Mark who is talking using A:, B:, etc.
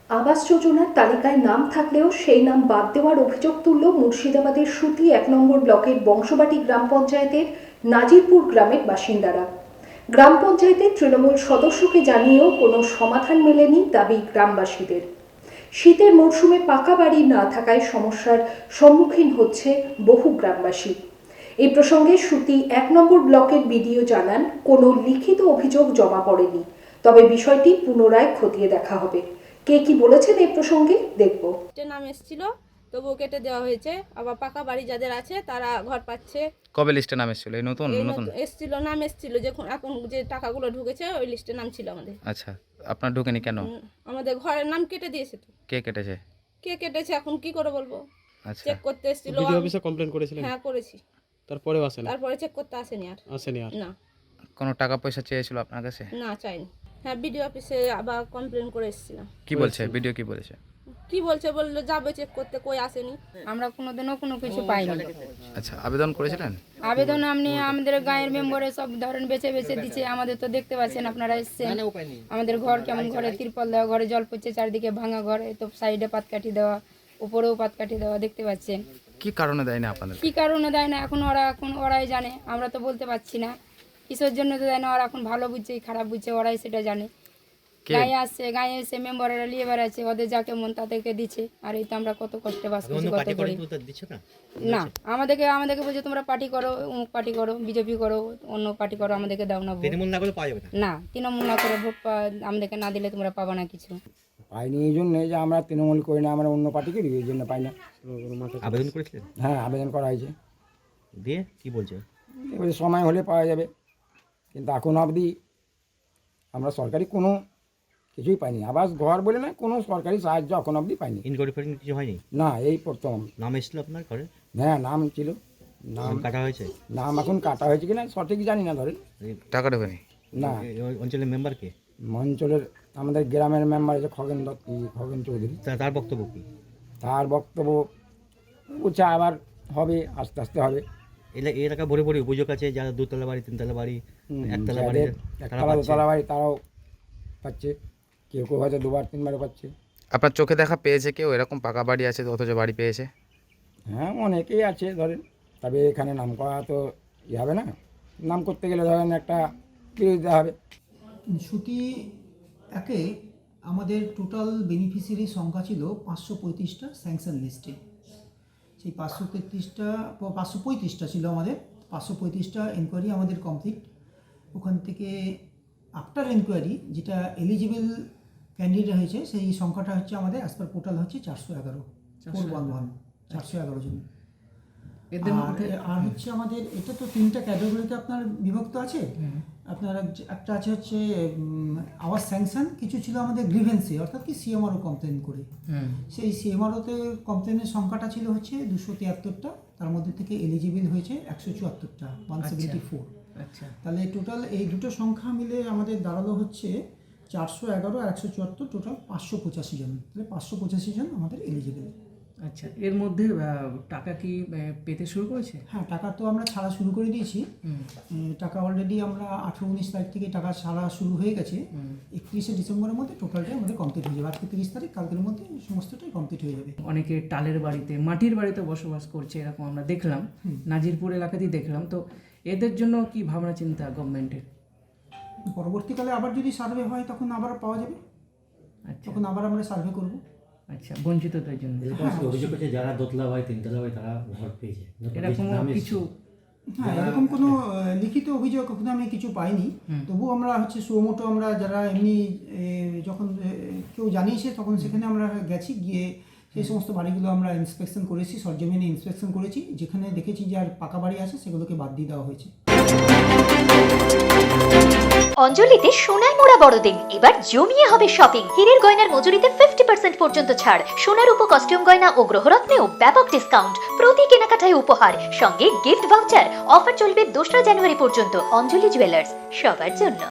A: আবাস যোজনার তালিকায় নাম থাকলেও সেই নাম বাদ দেওয়ার অভিযোগ তুলল মুর্শিদাবাদের সুতি ১ নম্বর ব্লকের বংশবাটি গ্রাম পঞ্চায়েতের নাজিরপুর গ্রামের বাসিন্দারা। গ্রাম পঞ্চায়েতের তৃণমূল সদস্যকে জানিয়েও কোনো সমাধান মেলেনি দাবি গ্রামবাসীদের। শীতের মরশুমে পাকা বাড়ি না থাকায় সমস্যার সম্মুখীন হচ্ছে বহু গ্রামবাসী। এই প্রসঙ্গে সুতি ১ নম্বর ব্লকের বিডিও জানান, কোনো লিখিত অভিযোগ জমা পড়েনি, তবে বিষয়টি পুনরায় খতিয়ে দেখা হবে। কে কি বলেছেন এই প্রসঙ্গে দেখব।
B: নাম এসেছিল, তবুও কেটে দেওয়া হয়েছে। আবার পাকা বাড়ি যাদের আছে তারা ঘর পাচ্ছে।
C: কবে লিস্টে নাম এসেছিল? এই নতুন
B: এসেছিল, নাম এসেছিল, যখন এখন যে টাকাগুলো ঢুকেছে ওই লিস্টে নাম ছিল আমাদের।
C: আচ্ছা, আপনার ঢুকেনি কেন?
B: আমাদের ঘরের নাম কেটে দিয়েছে। তো
C: কে কেটেছে?
B: কে কেটেছে এখন কি করে বলবো।
C: আচ্ছা,
B: চেক করতে এসেছিল।
D: বিডিও অফিসে কমপ্লেইন করেছিলেন?
B: হ্যাঁ, করেছি।
D: তারপরেও আসেনি?
B: তারপরে চেক করতে আসেনি আর। না।
C: কোনো টাকা পয়সা চেয়েছিল আপনার কাছে?
B: না, চাইনি। হ্যাঁ, বিডিও অফিসে আবার কমপ্লেন করে এসেছিলাম।
C: কি বলছে ভিডিও? কি বলেছে?
B: কি বলছে, বললো যাবে চেক করতে, কই আসেনি।
E: আমরা কোনোদিনও কোনো কিছু পাইনি।
C: আচ্ছা, আবেদন করেছিলেন?
E: আবেদন আপনি আমাদের গাঁয়ের মেম্বারে সব ধরেন বেছে বেছে দিচ্ছে। আমাদের তো দেখতে পাচ্ছেন, আপনারা এসছেন। আমাদের ঘর কেমন, ঘরে তিরপল দেওয়া, ঘরে জল পড়ছে, চারিদিকে ভাঙা ঘরে, তো সাইডে পাতকাঠি দেওয়া, উপরেও পাতকাঠি দেওয়া, দেখতে পাচ্ছেন।
C: কি কারণে দেয় না আপনাদের?
E: কি কারণে দেয় না এখন ওরাই জানে, আমরা তো বলতে পারছি না কিসের জন্য তো দেয় না। ওরা এখন ভালো বুঝছে খারাপ বুঝছে, ওরাই সেটা জানে। গায়ে আসছে, গায়ে এসে মেম্বাররা নিয়ে বেড়াচ্ছে, ওদের যাকে মন তাদেরকে দিচ্ছে। আর এই তো আমরা কত কষ্টে বাস করছি, কত করি না। আমাদেরকে বলছে তোমরা পার্টি করো, অমুক পার্টি করো, বিজেপি করো, অন্য পার্টি করো, আমাদেরকে দাও না ভোট। না, তৃণমূল না করে ভোট আমাদেরকে না দিলে তোমরা পাবা না কিছু।
F: পাইনি এই জন্যে যে আমরা তৃণমূল করি না, আমরা অন্য পার্টিকে দিই, এই জন্য পাই না।
G: আবেদন করেছিলেন?
F: হ্যাঁ, আবেদন করা হয়েছে।
G: দিয়ে কি বলছে?
F: এবারে সময় হলে পাওয়া যাবে, কিন্তু এখন অবধি আমরা সরকারি কোনো কিছুই পাইনি। আবাস ঘর বলে না, কোনো সরকারি সাহায্য এখন অবধি পাইনি।
G: ইনকোয়ারি ফোয়ারি কিছু হয়নি?
F: না, এই প্রথম।
G: নাম এসেছিল আপনার ঘরে?
F: হ্যাঁ, নাম ছিল। নাম
G: কাটা হয়েছে?
F: নাম এখন কাটা হয়েছে কিনা সঠিক জানি না। ধরেন
C: টাকা ঢোকেনি?
F: না।
G: অঞ্চলের মেম্বারকে?
F: অঞ্চলের আমাদের গ্রামের মেম্বার আছে খগেন চৌধুরী।
G: তার বক্তব্য কি?
F: তার বক্তব্য বলছে আবার হবে, আস্তে আস্তে হবে।
G: এলাকা ভরে ভরে অভিযোগ আছে, যারা দোতলা বাড়ি, তিনতলা বাড়ি, একতলা বাড়ি,
F: একতলা দোতলা বাড়ি তারাও পাচ্ছে, কেউ কেউ হয়তো দুবার তিনবারও পাচ্ছে।
C: আপনার চোখে দেখা পেয়েছে কেউ এরকম পাকা বাড়ি আছে অথচ বাড়ি পেয়েছে?
F: হ্যাঁ, অনেকেই আছে ধরেন, তবে এখানে নাম করা তো হবে না। নাম করতে গেলে ধরেন একটা দিতে হবে।
H: সুতি একে আমাদের টোটাল বেনিফিশিয়ারি সংখ্যা ছিল 535টা স্যাংশন লিস্টে। সেই 535টা ছিল আমাদের। 535টা এনকোয়ারি আমাদের কমপ্লিট। ওখান থেকে আফটার এনকোয়ারি যেটা এলিজিবল ক্যান্ডিডেট হয়েছে সেই সংখ্যাটা হচ্ছে আমাদের অ্যাজ পার পোর্টাল হচ্ছে 411 411 জন। আর হচ্ছে আমাদের এটা তো 3টা ক্যাটাগরিতে আপনার বিভক্ত আছে। আপনার একটা আছে হচ্ছে আওয়ার স্যাংশন, কিছু ছিল আমাদের গ্রিভেন্সে, অর্থাৎ কি সিএমআরও কমপ্লেন করে। সেই সিএমআরওতে কমপ্লেনের সংখ্যাটা ছিল হচ্ছে 273টা, তার মধ্যে থেকে এলিজিবল হয়েছে 174টা, 174। তাহলে টোটাল এই দুটো সংখ্যা মিলে আমাদের দাঁড়ালো হচ্ছে 411 আর 174, টোটাল 585 জন। তাহলে 585 জন আমাদের এলিজিবল।
I: আচ্ছা, এর মধ্যে টাকা কি পেতে শুরু করেছে?
H: হ্যাঁ, টাকা তো আমরা ছাড়া শুরু করে দিয়েছি। টাকা অলরেডি আমরা 18-19 তারিখ থেকে টাকা ছাড়া শুরু হয়ে গেছে। 31শে ডিসেম্বরের মধ্যে টোটালটাই আমাদের কমপ্লিট হয়ে যাবে। আজকে 30 তারিখ, কালকের মধ্যে সমস্তটাই কমপ্লিট হয়ে যাবে।
I: অনেকে টালের বাড়িতে, মাটির বাড়িতে বসবাস করছে, এরকম আমরা দেখলাম, নাজিরপুর এলাকাতেই দেখলাম। তো এদের জন্য কি ভাবনা চিন্তা গভর্নমেন্টের?
H: পরবর্তীকালে আবার যদি সার্ভে হয় তখন আবার পাওয়া যাবে।
I: আচ্ছা,
H: তখন আবার আমরা সার্ভে করব।
I: আচ্ছা, বঞ্চিতদের জন্য
G: অভিযোগ আছে যারা দোতলা বাড়ি, তিনতলা বাড়ি তারা ঘর পেয়েছে,
I: এরকম কিছু?
H: হ্যাঁ, এরকম কোনো লিখিত অভিযোগ এখনো আমি কিছু পাইনি। তবুও আমরা হচ্ছে সুমোটো আমরা যারা এমনি যখন কেউ জানিয়েছে তখন সেখানে আমরা গেছি, গিয়ে সেই সমস্ত বাড়িগুলো আমরা ইন্সপেকশন করেছি, সরজমিনে ইন্সপেকশন করেছি। যেখানে দেখেছি যে আর পাকা বাড়ি আছে সেগুলোকে বাদ দিয়ে দেওয়া হয়েছে।
J: অঞ্জলিতে সোনায় মোড়া বড়দিন, এবার জমিয়ে হবে শপিং। হীরের গয়নার মজুরিতে 50% পর্যন্ত ছাড়। সোনার উপ কস্টিউম গয়না ও গ্রহরত্নেও ব্যাপক ডিসকাউন্ট। প্রতি কেনাকাটায় উপহার, সঙ্গে গিফট ভাউচার। অফার চলবে 2রা জানুয়ারি পর্যন্ত। অঞ্জলি জুয়েলার্স, সবার জন্য।